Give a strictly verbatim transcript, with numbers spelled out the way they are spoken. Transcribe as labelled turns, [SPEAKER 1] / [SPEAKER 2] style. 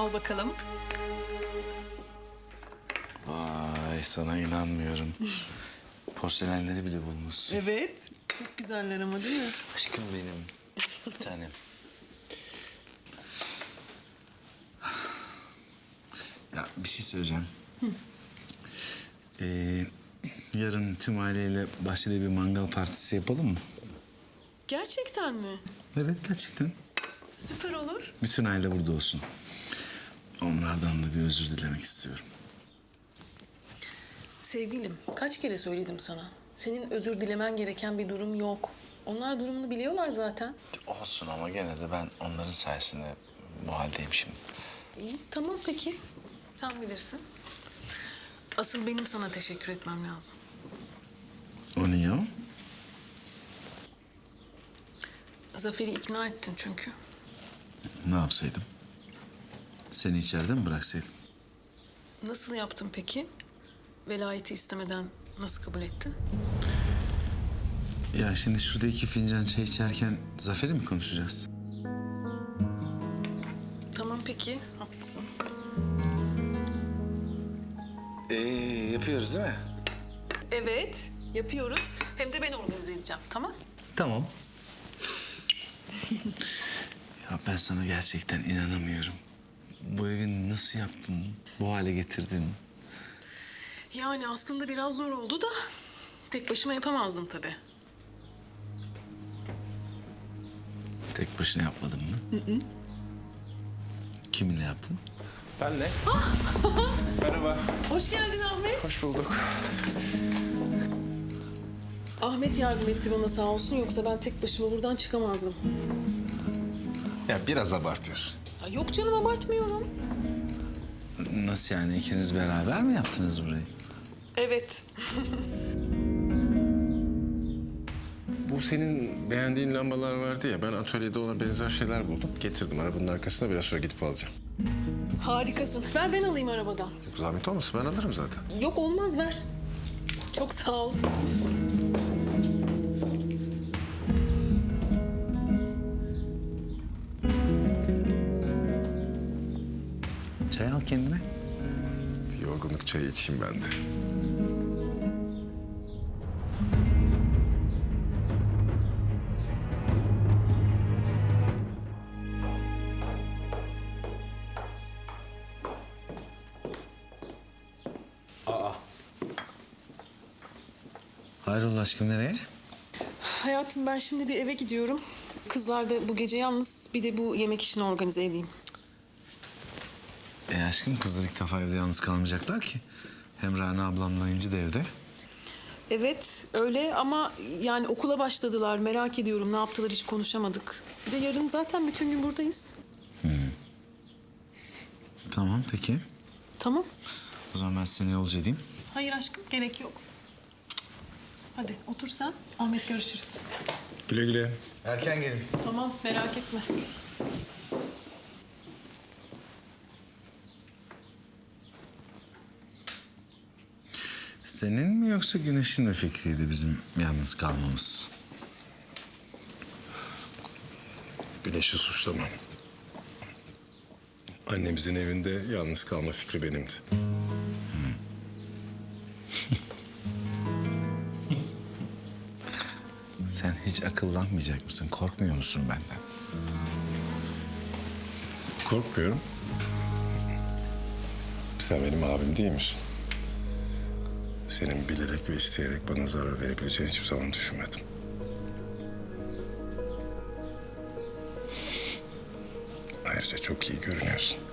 [SPEAKER 1] Al bakalım.
[SPEAKER 2] Vay, sana inanmıyorum. Porselenleri bile bulmuşsun.
[SPEAKER 1] Evet. Çok güzeller ama değil mi?
[SPEAKER 2] Aşkım benim. Bir tanem. Ya bir şey söyleyeceğim. Ee, yarın tüm aileyle bahçede bir mangal partisi yapalım mı?
[SPEAKER 1] Gerçekten mi?
[SPEAKER 2] Evet, gerçekten.
[SPEAKER 1] Süper olur.
[SPEAKER 2] Bütün aile burada olsun. Onlardan da bir özür dilemek istiyorum.
[SPEAKER 1] Sevgilim, kaç kere söyledim sana. Senin özür dilemen gereken bir durum yok. Onlar durumunu biliyorlar zaten.
[SPEAKER 2] Olsun ama gene de ben onların sayesinde bu haldeyim şimdi.
[SPEAKER 1] İyi, tamam peki. Sen bilirsin. Asıl benim sana teşekkür etmem lazım.
[SPEAKER 2] O niye o?
[SPEAKER 1] Zafer'i ikna ettin çünkü.
[SPEAKER 2] Ne yapsaydım? Seni içeride mi bıraksaydım?
[SPEAKER 1] Nasıl yaptın peki? Velayeti istemeden nasıl kabul ettin?
[SPEAKER 2] Ya şimdi şurada iki fincan çay içerken Zafer'i mi konuşacağız?
[SPEAKER 1] Tamam peki, haklısın.
[SPEAKER 2] Ee, yapıyoruz değil mi?
[SPEAKER 1] Evet, yapıyoruz. Hem de ben organize edeceğim, tamam?
[SPEAKER 2] Tamam. Ya ben sana gerçekten inanamıyorum. Bu evi nasıl yaptın? Bu hale getirdin?
[SPEAKER 1] Yani aslında biraz zor oldu da tek başıma yapamazdım tabii.
[SPEAKER 2] Tek başına yapmadın mı? Hı hı. Kiminle yaptın?
[SPEAKER 3] Benle. Merhaba.
[SPEAKER 1] Hoş geldin Ahmet.
[SPEAKER 3] Hoş bulduk.
[SPEAKER 1] Ahmet yardım etti bana sağ olsun, yoksa ben tek başıma buradan çıkamazdım.
[SPEAKER 3] Ya biraz abartıyorsun.
[SPEAKER 1] Ya yok canım, abartmıyorum.
[SPEAKER 2] Nasıl yani? İkiniz beraber mi yaptınız burayı?
[SPEAKER 1] Evet.
[SPEAKER 3] Bu senin beğendiğin lambalar vardı ya, ben atölyede ona benzer şeyler buldum. Getirdim arabanın arkasına, biraz sonra gidip alacağım.
[SPEAKER 1] Harikasın. Ver ben alayım arabadan.
[SPEAKER 3] Yok zahmet olmasın, ben alırım zaten.
[SPEAKER 1] Yok olmaz, ver. Çok sağ ol.
[SPEAKER 2] Çay al kendine.
[SPEAKER 3] Bir yorgunluk çayı içeyim ben de.
[SPEAKER 2] Hayrola aşkım, nereye?
[SPEAKER 1] Hayatım, ben şimdi bir eve gidiyorum. Kızlar da bu gece yalnız, bir de bu yemek işini organize edeyim.
[SPEAKER 2] E aşkım, kızlar ilk defa evde yalnız kalmayacaklar ki. Hem Rana ablamla İnci de evde.
[SPEAKER 1] Evet öyle ama yani okula başladılar. Merak ediyorum ne yaptılar, hiç konuşamadık. Bir de yarın zaten bütün gün buradayız.
[SPEAKER 2] Tamam, peki.
[SPEAKER 1] Tamam.
[SPEAKER 2] O zaman ben seni yolcu edeyim.
[SPEAKER 1] Hayır aşkım, gerek yok. Hadi otur sen. Ahmet, görüşürüz.
[SPEAKER 3] Güle güle.
[SPEAKER 2] Erken gelin.
[SPEAKER 1] Tamam, merak etme.
[SPEAKER 2] Senin mi yoksa Güneş'in mi fikriydi bizim yalnız kalmamız?
[SPEAKER 3] Güneş'i suçlamam. Annemizin evinde yalnız kalma fikri benimdi.
[SPEAKER 2] Sen hiç akıllanmayacak mısın? Korkmuyor musun benden?
[SPEAKER 3] Korkmuyorum. Sen benim abim değil misin? Senin bilerek ve isteyerek bana zarar verebileceğini hiçbir zaman düşünmedim. Ayrıca çok iyi görünüyorsun.